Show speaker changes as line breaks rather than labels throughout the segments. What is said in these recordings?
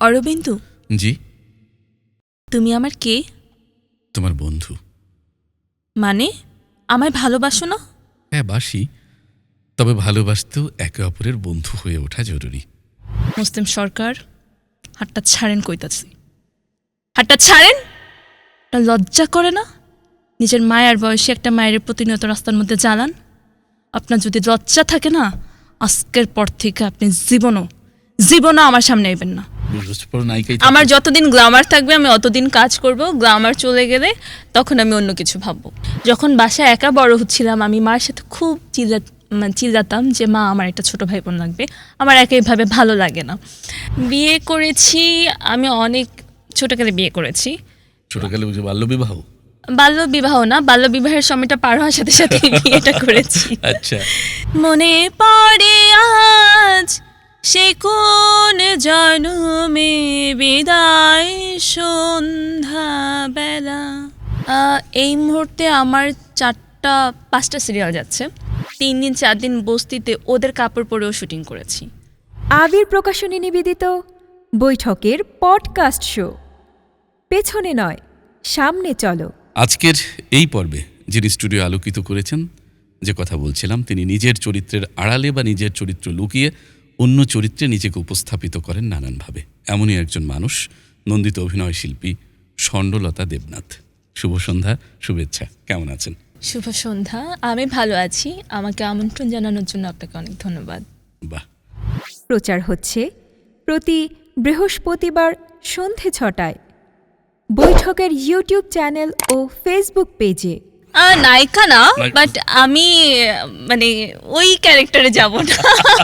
অরবিন্দু,
জি।
তুমি আমার কে?
তোমার বন্ধু।
মানে আমায় ভালোবাসো না?
হ্যাঁ, বাসি। তবে ভালোবাসতেও একে অপরের বন্ধু হয়ে ওঠা জরুরি।
মুসলিম সরকার, হাতটা ছাড়েন কইতাছি। হাতটা ছাড়েন। লজ্জা করে না? নিজের মায়ের বয়সে একটা মায়ের প্রতিনিয়ত রাস্তার মধ্যে জ্বালান। আপনার যদি লজ্জা থাকে না, আজকের পর থেকে আপনি জীবনও আমার সামনে আইবেন না। আমার যতদিন গ্লামার থাকবে আমি অতদিন কাজ করব। গ্লামার চলে গেলে তখন আমি অন্য কিছু ভাববো। যখন বাসায় একা বড় হচ্ছিলাম, আমি মার সাথে খুব চিল্লাতাম যে মা, আমার একটা ছোট ভাই বোন লাগবে, আমার একইভাবে ভালো লাগে না। বিয়ে করেছি, আমি অনেক ছোটকালে বিয়ে করেছি।
ছোটকালে বুঝে বাল্যবিবাহ?
বাল্যবিবাহ না, বাল্যবিবাহের সময়টা পার হওয়ার সাথে সাথে বিয়েটা করেছি।
আচ্ছা।
মনে পড়ে আজ সে কোন জন্মে বিদায় সন্ধ্যা বেলা। এই মুহূর্তে আমার 4-5টা সিরিয়াল যাচ্ছে। 3 দিন 4 দিন বস্তিতে ওদের কাপড় পরেও শুটিং করেছি।
আবির প্রকাশনী নিবেদিত বৈঠকের পডকাস্ট শো পেছনে নয় সামনে চলো।
আজকের এই পর্বে যিনি স্টুডিও আলোকিত করেছেন, যে কথা বলছিলাম, তিনি নিজের চরিত্রের আড়ালে বা নিজের চরিত্র লুকিয়ে অন্য চরিত্রে নিজেকে উপস্থাপিত করেন নানানভাবে। এমনই একজন মানুষ নন্দিত অভিনয় শিল্পী স্বর্ণলতা দেবনাথ। শুভ সন্ধ্যা, শুভেচ্ছা। কেমন আছেন?
শুভ সন্ধ্যা, আমি ভালো আছি। আমাকে আমন্ত্রণ জানানোর জন্য আপনাকে অনেক ধন্যবাদ।
বাহ।
প্রচার হচ্ছে প্রতি বৃহস্পতিবার সন্ধে 6টায় বৈঠকের ইউটিউব চ্যানেল ও ফেসবুক পেজে।
নায়িকা না, বাট আমি মানে ওই ক্যারেক্টারে যাব না।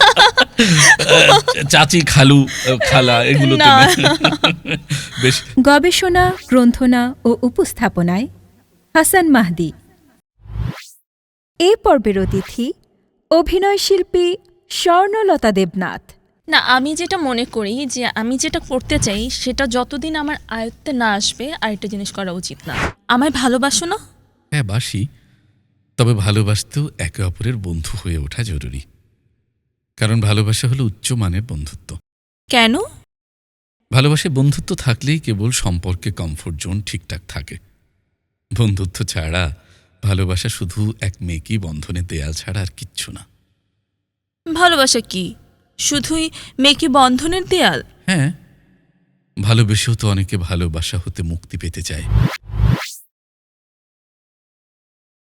চাচি, খালু, খালা, এগুলো বেশ।
গবেষণা, গ্রন্থনা ও উপস্থাপনায় হাসান মাহদি। এ পর্বের অতিথি অভিনয় শিল্পী স্বর্ণলতা দেবনাথ।
না, আমি যেটা মনে করি যে আমি যেটা করতে চাই সেটা যতদিন আমার আয়ত্তে না আসবে আরেকটা জিনিস করা উচিত না। আমায় ভালোবাসো না?
হ্যাঁ, বাসি। তবে ভালোবাসতেও একে অপরের বন্ধু হয়ে ওঠা জরুরি। কারণ ভালোবাসা হলো উচ্চমানের বন্ধুত্ব।
কেন?
ভালোবাসায় বন্ধুত্ব থাকলেই কেবল সম্পর্কে কমফোর্ট জোন ঠিকঠাক থাকে। বন্ধুত্ব ছাড়া ভালোবাসা শুধু এক মেকি বন্ধনে দেয়াল ছাড়া আর কিচ্ছু না।
ভালোবাসা কি শুধুই মেকি বন্ধনের দেয়াল?
হ্যাঁ, ভালোবেসেও তো অনেকে ভালোবাসা হতে মুক্তি পেতে চায়।